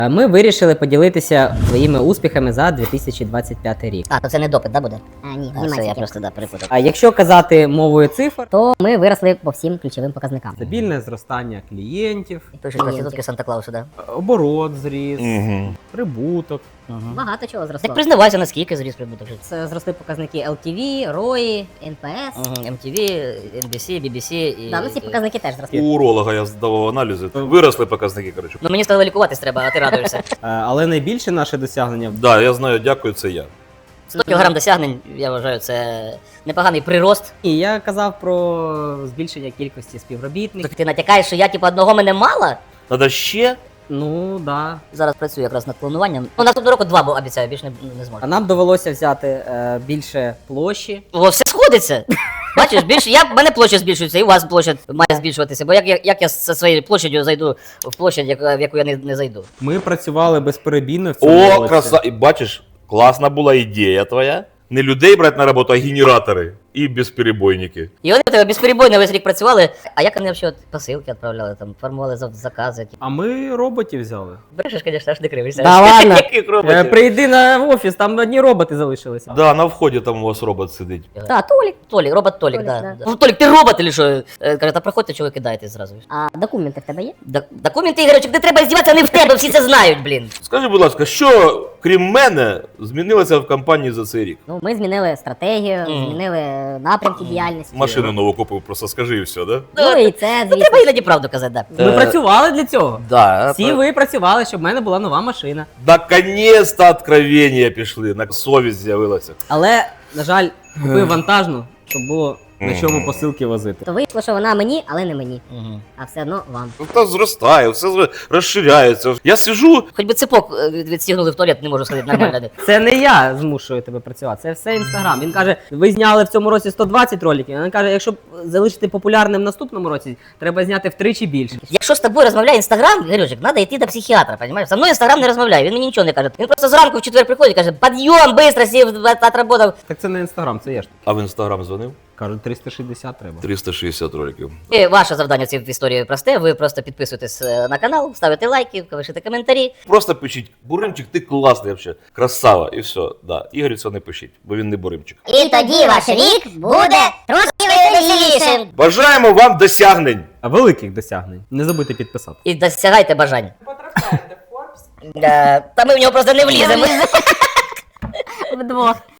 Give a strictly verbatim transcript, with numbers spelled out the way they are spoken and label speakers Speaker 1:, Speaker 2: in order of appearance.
Speaker 1: Ми вирішили поділитися своїми успіхами за дві тисячі двадцять п'ятий рік.
Speaker 2: А, то це не допит, да, буде?
Speaker 3: А, ні,
Speaker 2: А, все, я
Speaker 3: німецький.
Speaker 2: просто да, перепутав.
Speaker 1: А якщо казати мовою цифр,
Speaker 3: То ми виросли по всім ключовим показникам.
Speaker 1: стабільне зростання клієнтів,
Speaker 2: Пишуть проститутки Санта-Клауса, да?
Speaker 1: оборот зріс,
Speaker 4: Угу.
Speaker 1: прибуток.
Speaker 2: Угу.
Speaker 3: Багато чого зросло.
Speaker 2: Так признавайся, наскільки зріс прибуток.
Speaker 3: Це зросли показники ел ті ві, рої, ен пі ес.
Speaker 2: Угу. ем ті ві, ен бі сі, бі бі сі і...
Speaker 3: Да, ну ці показники теж зросли.
Speaker 4: У уролога я здавав аналізи. Виросли показники, коротше.
Speaker 2: Ну мені стало лікуватись треба, а ти радуєшся.
Speaker 1: Е, Але найбільше наше досягнення
Speaker 4: Да, я знаю, дякую, це я.
Speaker 2: сто кілограм досягнень, я вважаю, це непоганий прирост.
Speaker 1: І я казав про збільшення кількості співробітників.
Speaker 2: Так ти натякаєш, що я типу одного мене мало?
Speaker 4: Надо ще?
Speaker 1: Ну да.
Speaker 2: Зараз працюю якраз над плануванням. Ну, наступного року два, бо обіцяю, більше не, не зможу.
Speaker 1: А нам довелося взяти е, більше площі.
Speaker 2: О, все сходиться. Бачиш, більше я в мене площа збільшується, і у вас площа має збільшуватися. Бо як, як, як я зі своєю площадю зайду в площадь, яка- в яку я не, не зайду?
Speaker 1: Ми працювали безперебійно в цьому
Speaker 4: О,
Speaker 1: році.
Speaker 4: краса. І бачиш, класна була ідея твоя. Не людей брати на роботу, а генератори і безперебойники.
Speaker 2: І вони в тебе безперебойно весь рік працювали. А як вони взагалі посилки відправляли, там, формували зав- закази?
Speaker 1: А ми роботів взяли.
Speaker 2: Брешеш, звісно, аж не кривишся.
Speaker 1: Да ладно.
Speaker 2: Яких
Speaker 1: Е,
Speaker 2: роботів?
Speaker 1: Прийди на офіс, там одні роботи залишилися.
Speaker 4: Да, на вході там у вас робот сидить.
Speaker 3: Та, Толік.
Speaker 2: Толік, робот Толік,
Speaker 3: Толік,
Speaker 2: да.
Speaker 3: да.
Speaker 2: Ну, Толік, ти робот чи що? Е, Каже, та проходьте, чого ви кидаєтесь зразу.
Speaker 3: А документи в тебе є?
Speaker 2: Д- Документи, Ігорючик, не треба здіватися, не в тебе, всі це знають, блін.
Speaker 4: Скажи, будь ласка, що, крім мене, змінилося в компанії за цей рік?
Speaker 3: Ну, ми змінили стратегію,
Speaker 2: Мгм.
Speaker 3: змінили напрямки діяльності.
Speaker 4: Машину нову купив, просто скажи і все, да?
Speaker 3: Ну і це,
Speaker 2: Ну, треба
Speaker 3: звісно.
Speaker 2: іноді правду казати, да.
Speaker 1: Ми працювали для цього.
Speaker 4: Да.
Speaker 1: Всі ви працювали, щоб в мене була нова машина.
Speaker 4: Наконец-то откровення пішли, на совість з'явилася.
Speaker 1: Але, на жаль, купив вантажну, щоб було на чому посилки возити.
Speaker 3: То вийшло, що вона мені, але не мені.
Speaker 2: Мгм.
Speaker 3: А все одно вам.
Speaker 4: Ну, та зростає, все зро- розширяється. Я сижу,
Speaker 2: Хоч би цепок е, від- відстігнули в туалет, не можу сходити нормально.
Speaker 1: Це не я змушую тебе працювати, це все інстаграм. Він каже, ви зняли в цьому році сто двадцять роликів. Він каже, якщо залишити популярним в наступному році, треба зняти втричі більше.
Speaker 2: Якщо з тобою розмовляє інстаграм, Ігорючик, треба йти до психіатра, розумієш? Со мною інстаграм не розмовляє, він мені нічого не каже. Він просто зранку в четвер приходить і каже, підйом, швидко, сів, отработав.
Speaker 1: Так це не інстаграм, це я ж.
Speaker 4: а в інстаграм дзвонив.
Speaker 1: Кажуть, триста шістдесят треба.
Speaker 4: триста шістдесят роликів.
Speaker 2: І ваше завдання в цій історії просте, ви просто підписуєтесь е, на канал, ставите лайки, пишете коментарі.
Speaker 4: Просто пишіть, Буримчик, ти класний взагалі, красава, і все. Да. Ігорю це не пишіть, бо він не Буримчик.
Speaker 3: І тоді ваш рік буде трошки веселішим.
Speaker 4: Бажаємо вам досягнень!
Speaker 1: А великих досягнень. Не забудьте підписати.
Speaker 2: І досягайте бажань.
Speaker 5: Потрапляєте в Forbes.
Speaker 2: Е, Та ми в нього просто не вліземо.
Speaker 3: Вдвох.